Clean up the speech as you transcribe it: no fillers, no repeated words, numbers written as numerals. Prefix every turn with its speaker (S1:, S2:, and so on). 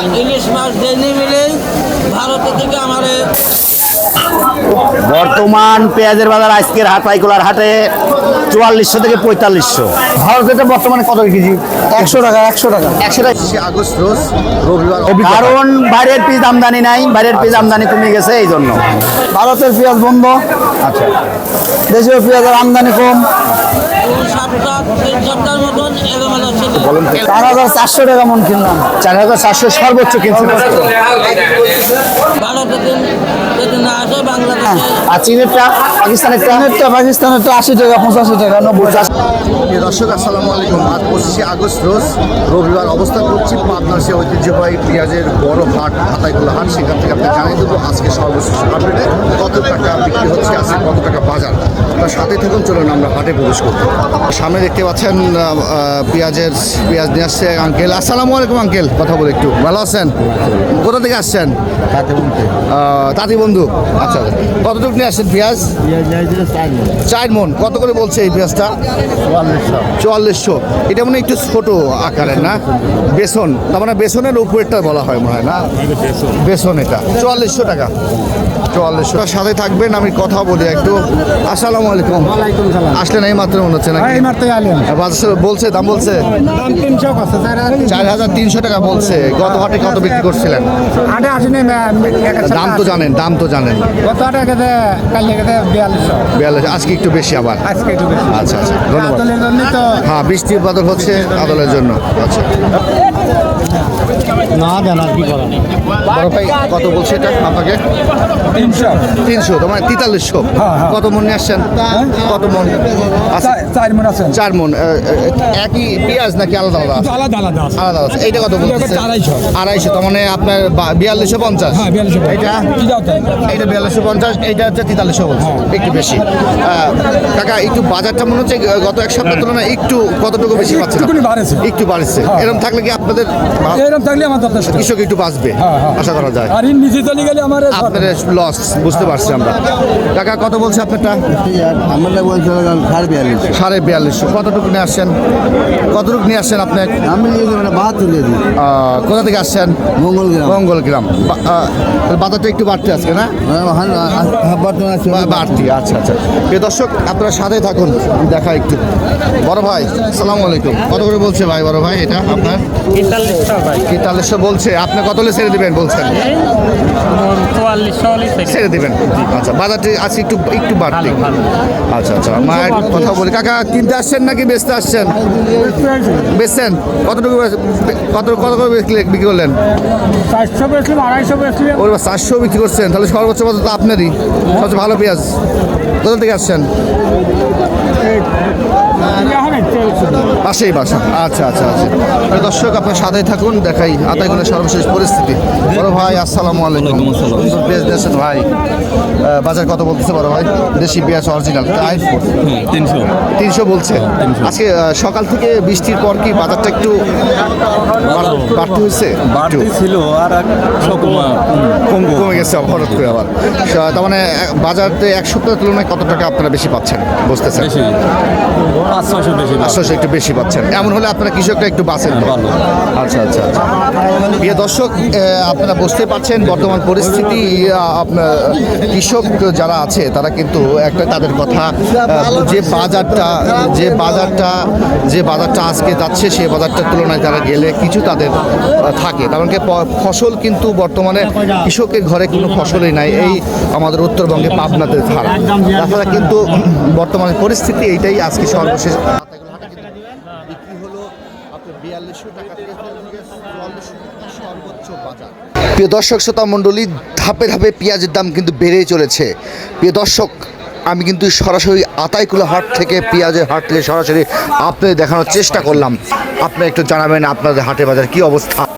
S1: ইলিশ মাছ daily মিলেই ভারত থেকে আমাদের
S2: বর্তমান পেঁয়াজের বাজার আজকের আতাইকুলার হাটে 4400 থেকে 4500। ভারতের বর্তমানে কত কেজি?
S3: 100 টাকা 100 টাকা।
S2: 100 টাকা।
S4: আগস্ট রোজ রবিবার।
S2: কারণ বাইরের পিস আমদানি নাই, বাইরের পিস আমদানি কমে গেছে এই জন্য।
S3: ভারতের পেঁয়াজ বন্ধ,
S2: আচ্ছা,
S3: দেশীয় পেঁয়াজের আমদানি কম।
S1: 2 সপ্তাহ 3 সপ্তাহের মতন এলোমেলো ছিল।
S3: 4400 টাকা মন কিনলাম।
S2: 4400 সর্বোচ্চ কিনছেন।
S1: ভারতে যদি না আসে বাংলাদেশে
S2: আর চীনেরটা, পাকিস্তানেরটা?
S3: পাকিস্তানেরটা 80 টাকা 85 টাকা 90 টাকা।
S4: প্রিয় দর্শক আসসালামু আলাইকুম। আজ 25 আগস্ট রোজ রবিবার অবস্থান করছি পাবনার সে ঐতিহ্যবাহী পেঁয়াজের বড় হাট আতাইকুলা হাট। সেখান থেকে আপনি জানিয়ে দেবো আজকে সর্বশেষ আপডেটে কত টাকা বিক্রি হচ্ছে, আজকে কত টাকা বাজার। তার সাথে থাকুন, চলুন আমরা হাটে প্রবেশ করতে। সামনে দেখতে পাচ্ছেন পেঁয়াজ নিয়ে আসছে আঙ্কেল। আসসালামু আলাইকুম আঙ্কেল, কথা বলে একটু ভালো আছেন? কোথা থেকে আসছেন? তাঁতি বন্ধু। আচ্ছা, কতটুকু নিয়ে আসছেন পেঁয়াজ? 4 মন। কত করে বলছে এই পেঁয়াজটা? 4400। এটা মনে একটু ছোট আকারের না? বেসন, তার মানে বেসনের উপরেরটা বলা হয় মনে হয় না? বেসন। এটা 4400 টাকা। 4400 সাথে থাকবেন, আমি কথা বলি একটু। আসসালামু আলাইকুম। আসলেন এই মাত্র মনে হচ্ছে নাকি? বলছে দাম বলছে 4300 টাকা বলছে। গত হাটে কত বিক্রি করছিলেন? দাম তো জানেন, দাম তো জানেন। 4200। আজকে একটু বেশি আবার। আচ্ছা আচ্ছা, ধন্যবাদ। হ্যাঁ, বৃষ্টির বাদল হচ্ছে আদলের জন্য। আচ্ছা, বড় ভাই কত বলছে এটা আপনাকে? 300। তোমার 4300। কত মন নিয়ে আসছেন? কত মন?
S3: 4 মন আছে।
S4: 4 মন। একই পেঁয়াজ নাকি আলাদা আলাদা? আলাদা আছে। এইটা কত বলছে? 250। তার মানে আপনার 4250। এইটা 4250, এইটা হচ্ছে 4300 বলছে। একটু বেশি। কাকা একটু বাজারটা মনে হচ্ছে গত এক সপ্তাহের তুলনায় একটু কতটুকু বেশি পাচ্ছে? একটু বাড়ছে। এরকম থাকলে কি আপনাদের কৃষক একটু বাঁচবে আশা করা যায়?
S3: আর নিচে চলে গেলে আমার
S4: আপনাদের লস বুঝতে পারছি আমরা। কাকা কত বলছে আপনারটা?
S3: আমরা বলছি
S4: 4250। কতটুকু নিয়ে আসছেন? কতটুকু নিয়ে আসছেন আপনি?
S3: আমি 72 দিয়ে দিই।
S4: কোথা থেকে আসছেন? মঙ্গলগ্রাম। বাজারটা একটু বাড়তে আজকে না? বাড়তি। আচ্ছা আচ্ছা, প্রিয় দর্শক আপনারা সাথে থাকুন, দেখা একটু। বড় ভাই আসসালামু আলাইকুম। কত করে বলছে ভাই বড় ভাই এটা আপনার? 4300 বলছে। আপনি কত হলে ছেড়ে দিবেন বলছেন?
S5: 4400
S4: ছেড়ে দিবেন। আচ্ছা, বাজারটি আজকে একটু একটু বাড়তি। আচ্ছা আচ্ছা, মায়ের কথা বলি। কাকা কিনতে আসছেন নাকি বেচতে আসছেন? বেচছেন। কতটুকু কত কত করে বিক্রি করলেন?
S3: 400 বেচলাম, 250 বেচলাম।
S4: ওর 400 বিক্রি করছেন, তাহলে সর্বোচ্চ বাজার তো আপনারই। সবচেয়ে ভালো পেঁয়াজ। কোথা থেকে আসছেন? পাশেই বাসা। আচ্ছা আচ্ছা আচ্ছা, দর্শক আপনার সাথে থাকুন, দেখাই আতাইকুলার সর্বশেষ পরিস্থিতি। বড় ভাই আসসালামু আলাইকুম। পেঁয়াজ দিয়েছেন ভাই, বাজার কত বলতেছে বড় ভাই? দেশি পেঁয়াজ অরিজিনাল 300 বলছে। আজকে সকাল থেকে বৃষ্টির পর কি বাজারটা একটু বাড়তি হয়েছে?
S5: ছিল আর
S4: কমে গেছে হঠাৎ করে আবার। তার মানে বাজারে এক সপ্তাহের তুলনায় কত টাকা আপনারা বেশি পাচ্ছেন বুঝতেছেন? 500 একটু বেশি পাচ্ছেন। এমন হলে আপনারা কৃষকরা একটু বাঁচেন ভালো। আচ্ছা আচ্ছা আচ্ছা, প্রিয় দর্শক আপনারা বুঝতে পারছেন বর্তমান পরিস্থিতি। আপনার কৃষক যারা আছে তারা কিন্তু একটা তাদের কথা, যে বাজারটা আজকে যাচ্ছে সেই বাজারটার তুলনায় তারা গেলে কিছু তাদের থাকে। কারণ কি ফসল কিন্তু বর্তমানে কৃষকের ঘরে কোনো ফসলই নাই এই আমাদের উত্তরবঙ্গে পাবনাতে ছাড়া। তাছাড়া কিন্তু বর্তমানে পরিস্থিতি এইটাই। আজকে সর্বশেষ বিক্রি হলো আপনার 4200 টাকা থেকে সর্বোচ্চ বাজার। প্রিয় দর্শক শ্রোতা মণ্ডলী, ধাপে ধাপে পেঁয়াজের দাম কিন্তু বেড়েই চলেছে। প্রিয় দর্শক, আমি কিন্তু সরাসরি আতাইকুলা হাট থেকে পেঁয়াজের হাট থেকে সরাসরি আপনাদের দেখানোর চেষ্টা করলাম। আপনি একটু জানাবেন আপনাদের হাটে বাজার কি অবস্থা।